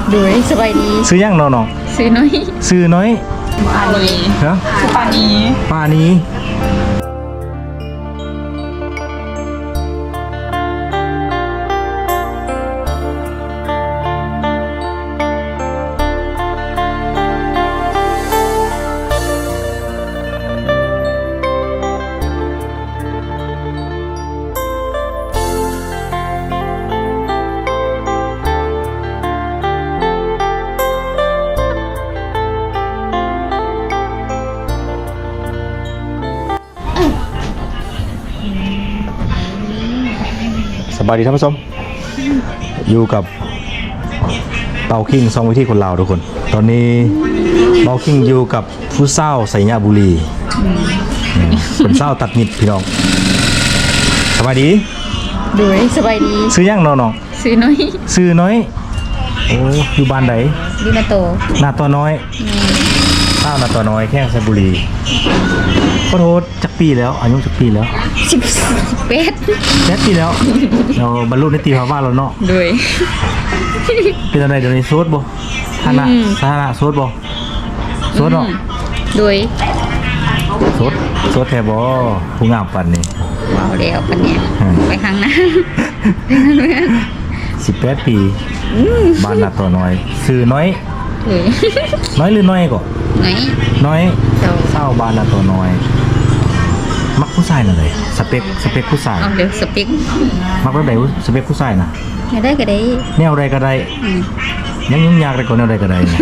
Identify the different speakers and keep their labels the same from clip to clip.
Speaker 1: โดยสบายดี
Speaker 2: ซื้อยังน้อง
Speaker 1: ซื้อน้อย
Speaker 2: ซื้อน้อย
Speaker 1: ปานี
Speaker 2: ฮะ
Speaker 1: ปานี
Speaker 2: ป้านี้สบายดีท่านผู้ชมอยู่กับเปาคิงซองวิธีคนลาวทุกคนตอนนี้เปาคิงอยู่กับผู้เศร้าไสยบุรีเป็นเศร้าตัดนิดพี่น้องสบายดี
Speaker 1: โดยสบายดี
Speaker 2: ซื้อยังน้อง
Speaker 1: ซื้อน้อย
Speaker 2: ซื้อน้อยโอ้อยู่บ้านไหน
Speaker 1: ดีนาโต
Speaker 2: นาตัวน้อยเศร้านาตัวน้อยแข้งไซบุรีขอโทษจักปีแล้วอายุจักปีแล้ว
Speaker 1: 18
Speaker 2: แค่ปีแล้วเราบรรลุนิติภาวะแล้วเนาะ
Speaker 1: โดย
Speaker 2: เป็นอะไรเดี๋ยวนี้โซดบ่ฐานะโซดบ่โซดเนาะ
Speaker 1: โดย
Speaker 2: โซดแทบ่ผู้งามปันนี่
Speaker 1: ว้าวแล้วปะเนี่ยไปข้างหน้า
Speaker 2: 18 ปีบ้านนาตัวน้อยซื้อน้อย
Speaker 1: โดย
Speaker 2: น้อยหรือน้อยก่อน
Speaker 1: ไหน
Speaker 2: น้อย
Speaker 1: เจ้า
Speaker 2: เศร้าบ้านนาตัวน้อยมักผู้ชายน่ะเลยสเปคผู้ชาย
Speaker 1: เอาเดี๋ยวสปิก
Speaker 2: มักแบบไหนสเปคผู้ชายน่ะ
Speaker 1: ไม่ได้ก็ได้
Speaker 2: แนวใดก็ได้
Speaker 1: อืม
Speaker 2: ยังยุ่งยากได้กว่าแนวใดก็ได้เนี่ย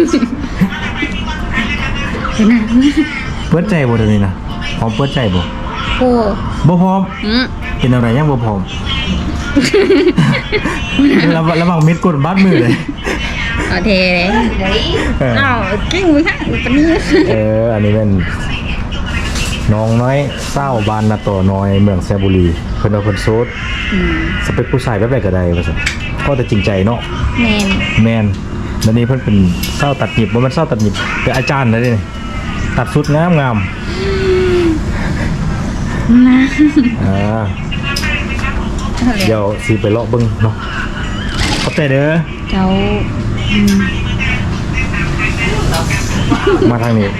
Speaker 1: เห็นนะ
Speaker 2: เปิดใจบ่เดี๋ยวนี้นะพร้อมเปิดใจบ่
Speaker 1: โอ้
Speaker 2: บ่พร้อม
Speaker 1: อืม
Speaker 2: เป็นอะไรยังบ่พร้อม ระวังมิดกดบัดมือเลย
Speaker 1: เอาเทเลย
Speaker 2: เออ
Speaker 1: อ้าวกิ้งมือค่ะปะนี้
Speaker 2: อันนี้เป็นน้องน้อยเศร้าบานนาโตน้อยเมืองแซบุรีเพิ่นเอาเพิ่นโซดสเปคผู้ชายแบบใดก็ได้ว่าซั่นก็แต่จริงใจเนาะ
Speaker 1: แมน
Speaker 2: แม่นเดี๋ยวนี้เพิ่นเป็นเศร้าตัดหยิบบ่แม่นเศร้าตัดหยิบเป็นอาจารย์เลยเด้นี่ตัดสุดงาม
Speaker 1: นะ
Speaker 2: เดี๋ยวสิไปเลาะเบิ่งเนาะขอบใจเด้อ
Speaker 1: เจ้า
Speaker 2: มาทางนี้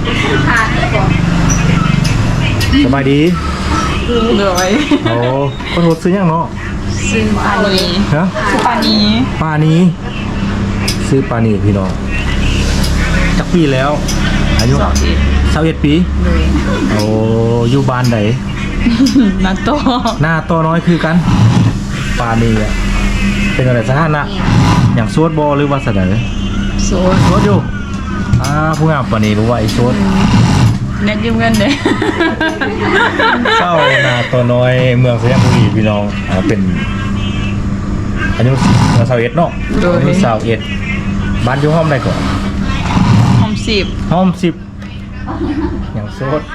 Speaker 2: สบายดี
Speaker 1: โดย
Speaker 2: โอ้คนรถซื้อยังเนาะ
Speaker 1: ซื้อปานี
Speaker 2: ฮะ
Speaker 1: ปานี
Speaker 2: ปลานี้ซื้อปลานี้พี่น้องจักปีแล้วอายุ21 ปี
Speaker 1: โดย
Speaker 2: โอ้อยู่บ้านไหน
Speaker 1: นาโต
Speaker 2: หน้าตัวน้อยคือกันปลานี้อ่ะเป็นอะไรสถานะอย่างสวดบอหรือว่าเสนอ
Speaker 1: โซ
Speaker 2: สวดอยู่ผู้งามปลานี้รู้ว่าไอ้สวด
Speaker 1: เน็ตยืมเงินเด้
Speaker 2: เศร้าหน้าตัวน้อยเมืองสยามบุรีพี่น้องเป็นอายุ21เนาะอายุ21บ้านอยู่ห้องใดก่อน
Speaker 1: หอมสิบ
Speaker 2: ห้อง10อย่างโซด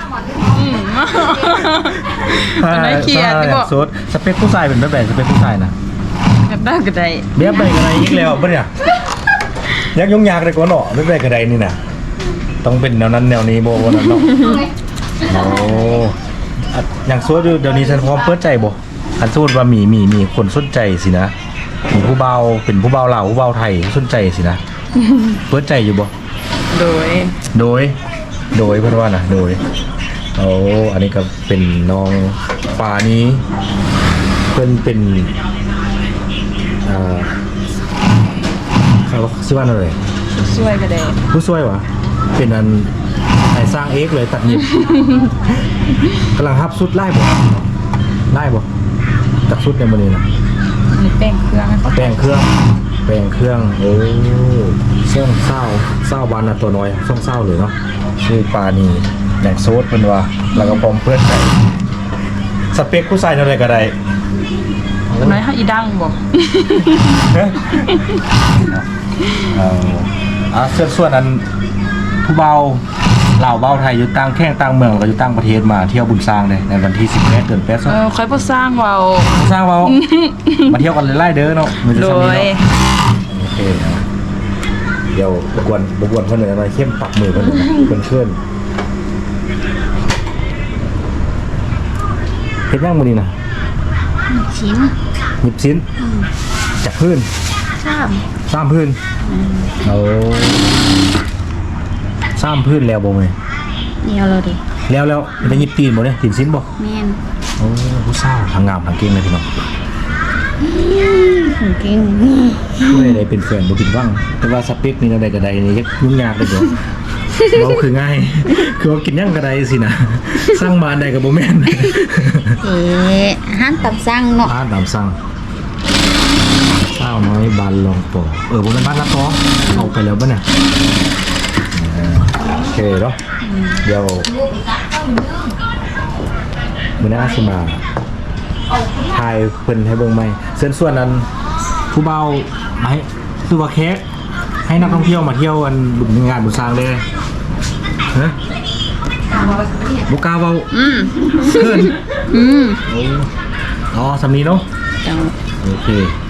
Speaker 1: เป็นไอ้เขียดที่บอก
Speaker 2: โซดสเปคผู้ชายเป็นแบบไหนสเปคผู้ชายนะ
Speaker 1: กันได้ก็ได้
Speaker 2: เบียบไปกันไรอีกแล้วปะเนี่ยยักยุ่งยากเลยกว่าเนาะแบบไหนกันไรนี่นะต้องเป็นแนวนั้นแนวนี้โบวันนั้นเนาะโอ้อย่างโซดอยู่เดี๋ยวนี้ฉันพร้อมเปิดใจบ่อันโซดว่ามีคนสนใจสินะมีผู้เบาเป็นผู้เบาลาวผู้เบาไทยสนใจสินะเปิดใจอยู่บ่
Speaker 1: โดย
Speaker 2: โดยเพื่อนว่านะโดยโอ้อันนี้ก็เป็นน้องปลานี้เพื่อนเป็นเขาชื่อว่าอะไร
Speaker 1: ช่วยก็ได้
Speaker 2: ผู้ช่วยวะเป็นอันไอ้สร้างเอ็กเลยตัดหยิบ กำลังฮับสุดไล่บ่ตัดสุดในมือนี้นะ
Speaker 1: มีแป้งเครื่อง
Speaker 2: แปลงเครื่องโอ้ช่องเศร้าบานนะตัวน้อยช่องเศร้าเลยเนาะชื่อปลานีอย่างโซดเป็นว่าแล้วก็พร้อมเพื่อนใส่สเปคผู้ชายอะไรก็ได้
Speaker 1: น้อยให้อีดังบอก
Speaker 2: ส่วนนั้นผู้เบาเหล่าเบาไทยอยู่ต่างแข้งต่างเมืองแล้วก็อยู่ต่างประเทศมาเที่ยวบุญสร้างเลยในวันที่18เดือน8
Speaker 1: ค่อยพอสร้างเบา
Speaker 2: สร้างเบา มาเที่ยวกันเลยไล่เด้อเนาะมันจะ
Speaker 1: โด
Speaker 2: สำนี
Speaker 1: ย
Speaker 2: เนาะโอเคเดี๋ยวบกวนเพื่อนหน่อยหน่อยเข้มปักมือเพื่อนหน่อยเพื่อนเฮ็ดย่างมือนี่นะ
Speaker 1: ชิ้น
Speaker 2: หยิบชิ้นจากพื้นสามพื้นโอ้สามพื้นแล้วบ่แม่
Speaker 3: เดียวเราดิ
Speaker 2: แล้วได้ยิบตีนบ่เนี่ยตีนซิ้นบ่
Speaker 3: แม่น
Speaker 2: โอ้ผู้สาวทางงามทางเก่งเลยพี่น้อง
Speaker 3: ถึงเก่ง
Speaker 2: ไม่ได้เป็นแฟนบ่ผิดหวังแต่ว่าสเปคนี่อะไรก็ได้นี่ยุ่งยากเลยเด้อเว้าคือง่ายคือว่ากินหยังก็ได้สินะสร้างบ้านได้ก็บ่แม่น
Speaker 3: เอ๊ะห้ามตับสั่งเนาะ
Speaker 2: บ้านตามสั่งสาวน้อยบ้านลองปอบ่แม่นบ้านละปอเอาไปแล้วบ่เนี่ยโอเคเนาะเดี๋ยวมื้อหน้าสิมาถ่ายเพิ่นให้เบิ่งใหม่ส่วนนั้นผู้เบาให้คือว่าแขกให้นักท่องเที่ยวมาเที่ยวอันงานบุญสร้างเลยฮะบ่กล้าเว้าเพิ่นอ๋อสำนี้เนาะ
Speaker 3: จัง
Speaker 2: โอเค